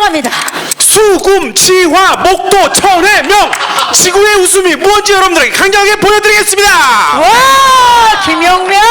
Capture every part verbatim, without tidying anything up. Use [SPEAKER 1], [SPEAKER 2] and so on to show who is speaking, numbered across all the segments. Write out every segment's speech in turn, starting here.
[SPEAKER 1] 감사합니다.
[SPEAKER 2] 수금, 치화, 목도, 천회, 명 지구의 웃음이 무엇인지 여러분들에게 강력하게 보여드리겠습니다.
[SPEAKER 1] 와, 김영명.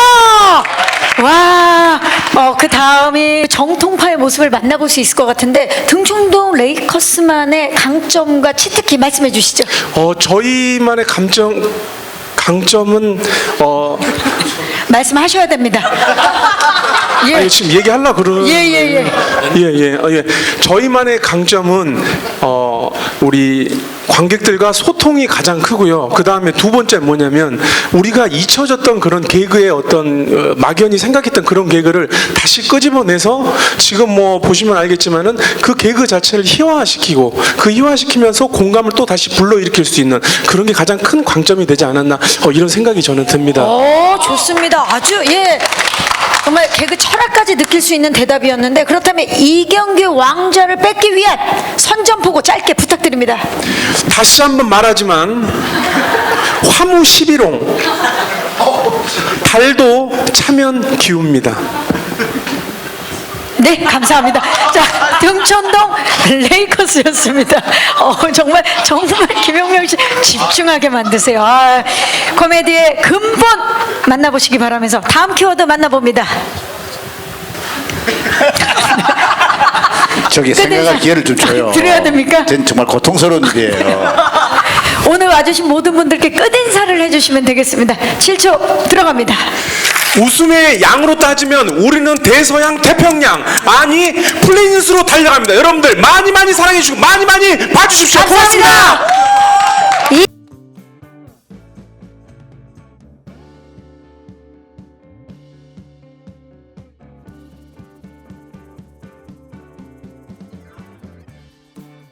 [SPEAKER 1] 와, 어, 그 다음이 정통파의 모습을 만나볼 수 있을 것 같은데 등촌동 레이커스만의 강점과 치트키 말씀해 주시죠.
[SPEAKER 2] 어, 저희만의 감정 강점은 어
[SPEAKER 1] 말씀하셔야 됩니다. 예.
[SPEAKER 2] 아니, 지금 얘기하려고 그러는
[SPEAKER 1] 예, 예, 예.
[SPEAKER 2] 예, 예, 어, 예. 저희만의 강점은 어, 우리 관객들과 소통이 가장 크고요. 그 다음에 두 번째 뭐냐면 우리가 잊혀졌던 그런 개그의 어떤 어, 막연히 생각했던 그런 개그를 다시 끄집어내서 지금 뭐 보시면 알겠지만은 그 개그 자체를 희화화시키고 그 희화시키면서 공감을 또 다시 불러일으킬 수 있는 그런 게 가장 큰 강점이 되지 않았나 어, 이런 생각이 저는 듭니다.
[SPEAKER 1] 오, 좋습니다. 아주 예. 정말 개그 철학까지 느낄 수 있는 대답이었는데 그렇다면 이경규 왕자를 뺏기 위한 선전포고 짧게 부탁드립니다.
[SPEAKER 2] 다시 한번 말하지만 화무 십일홍 달도 차면 기웁니다.
[SPEAKER 1] 네, 감사합니다. 자, 등촌동 레이커스였습니다. 어, 정말 정말 김용명 씨 집중하게 만드세요. 아, 코미디의 근본 만나보시기 바라면서 다음 키워드 만나봅니다.
[SPEAKER 3] 저기 생각할 기회를 좀 줘요.
[SPEAKER 1] 드려야 됩니까?
[SPEAKER 3] 전 정말 고통스러운 일이에요.
[SPEAKER 1] 오늘 와주신 모든 분들께 끝인사를 해주시면 되겠습니다. 칠 초 들어갑니다.
[SPEAKER 2] 웃음의 양으로 따지면 우리는 대서양 태평양 아니 플레인스로 달려갑니다. 여러분들 많이 많이 사랑해 주시고 많이 많이 봐주십시오.
[SPEAKER 1] 감사합니다.
[SPEAKER 2] 고맙습니다.